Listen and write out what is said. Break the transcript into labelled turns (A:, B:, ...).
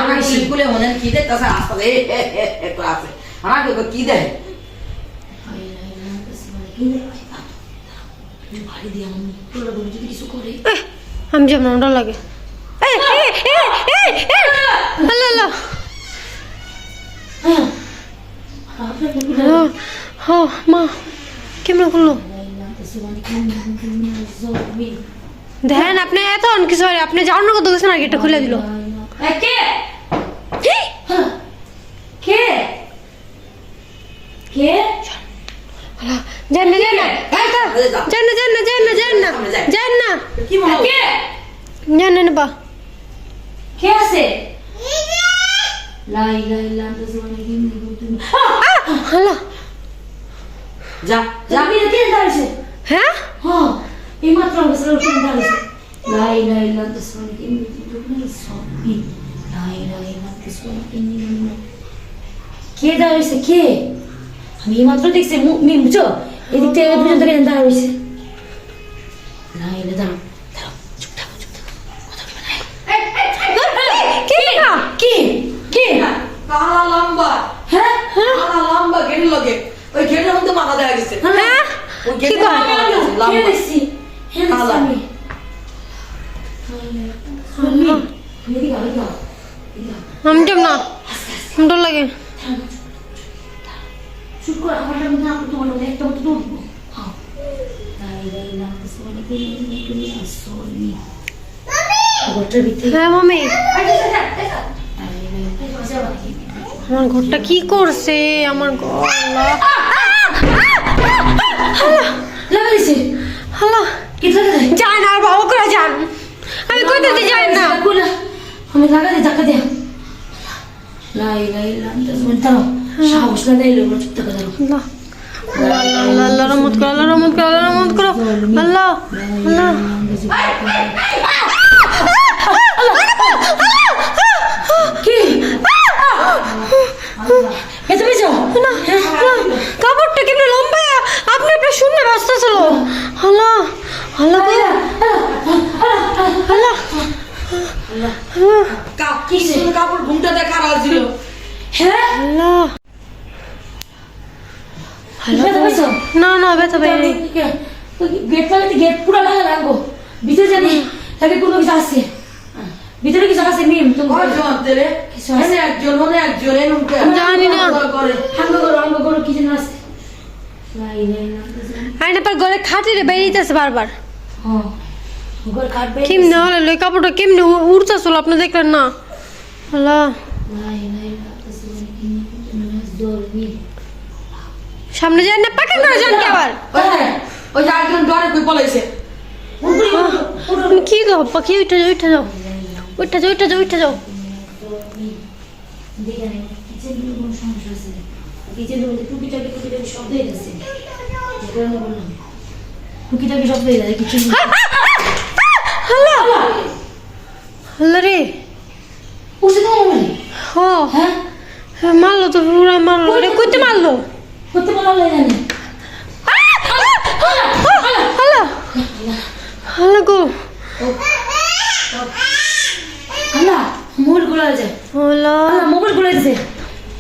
A: আমার স্কুলে মনে কি দেখ কাছে আসতে ক্লাসে আমাকে কি দেয়
B: আমি যেমন ওটা লাগে মা কেমন করলো দেখেন আপনি এত কিছু আপনি যাওয়ার কত গেছেন আর গেটটা খুলে দিল
C: কে কে কে
B: যান না যান না যান না যান না যান না যান না যান না
A: কি বলো
C: কে
B: যান না বা
C: কে আছে লাই লাই লাই তো জীবনে কি তুমি
B: হ্যালো
A: যা যা
C: আমি কে দাঁড়িয়েছে
B: হ্যাঁ
C: হ্যাঁ এই মাত্র আমাকে সব কে দাঁড়িয়েছে লাই লাই লাই তো জীবনে কি তুমি সবই লাই লাই লাই তো জীবনে কি কে দাঁড়িয়েছে কে আমি এই মাত্র দেখছি মিম বুঝছো এদিক থেকে পর্যন্ত কেন দাঁড়িয়েছে লাই লাই দাঁড়াও দাঁড়াও চুপ থাকো কথা বলবে না
B: কে না
C: কি কি
A: কালা লম্বা
C: হ্যাঁ
A: কালা লম্বা গেড়ে লাগে ওই গেড়ের মধ্যে মাথা দেয়া গেছে
B: হ্যাঁ
A: ওই
B: কি
A: গেড়ের
B: কয়?
A: মধ্যে মাথা দেয়া গেছে,
C: কে
A: লম্বা
C: দেখছি হ্যাঁ
A: কালা।
C: আমি এদিকে আয় না
B: আমি যাব না ডর লাগে
C: শুট করে আমার নাম না তোমার নাম একটা মতো দৌড় দিব হ্যাঁ তাই লাই না কিছু মানে কি তুমি আসোনি গোটার ভিতরে
B: হ্যাঁ মামি
C: আরে
B: আমার ঘরটা কি করছে আমার ঘর
C: লাগাইছে
B: হ্যালো
C: কি লাগাই
B: যান আর বাবা করে যান আমি কইতে যাই না
C: আমি লাগাই ধাক্কা দে লাই লাই লাই দাঁড়াও সাহস না দিলে চুপ থাকা দাঁড়াও
B: আল্লাহ আল্লাহ আল্লাহ রহমত করো আল্লাহ রহমত করো আল্লাহ রহমত করো আল্লাহ আল্লাহ
C: কি এত বেশি
B: না কাপড়টা কেমন লম্বা আপনি আপনার শূন্য রাস্তা ছিল আল্লাহ আল্লাহ আল্লাহ
A: কি সুন্দর কাপড় ঘুমটা দেখা ছিল
C: হ্যাঁ
B: আল্লাহ
C: এত বেশি
B: না না ব্যথা পাই
C: গেট লাগাতে গেট পুরো লাগা লাগবো ভিতরে জানি তাকে কোনো কিছু আছে ভিতরে কিছু আছে মিম তুমি
A: কয়জন তেরে এনে একজন হলে একজন এরকম
B: জানি না।
A: করে
C: হাঙ্গ করো কি যেন আছে লাই লাই না
B: আইনা পর ঘরে খাটিরে বেরিয়েছে বারবার
C: হ্যাঁ ঘর কাটবে
B: কেমনে হলে লই কাপড়টা কেমনে উড়তেছিল আপনি দেখলেন না আল্লাহ
C: লাই লাই না কিছু কি তুমি দৌড়বি
B: সামনে যান না পাকা করে যান কি আবার
A: ওই যে একজন ডরে কই পলাইছে
B: তুমি কি গো পাখি উঠে যাও উঠে যাও উঠে যাও উঠে যাও উঠে যাও
C: দেখে নেই কিচেন রুমে কোনো সমস্যা আছে কিচেন রুমে টুকিটাকি শব্দ হয়ে যাচ্ছে যে কারণে বললাম টুকিটাকি শব্দ হয়ে যাচ্ছে কিচেন
B: আল্লাহ আল্লাহ রে
C: উঠে তো মানে
B: ও
C: হ্যাঁ
B: মারলো তো পুরা মারলো রে কইতে মারলো
C: করতে বলা জানি
B: আল্লাহ আল্লাহ গো
C: আল্লাহ মোবাইল গুলো আছে
B: আল্লাহ
C: আল্লাহ মোবাইল গুলো আছে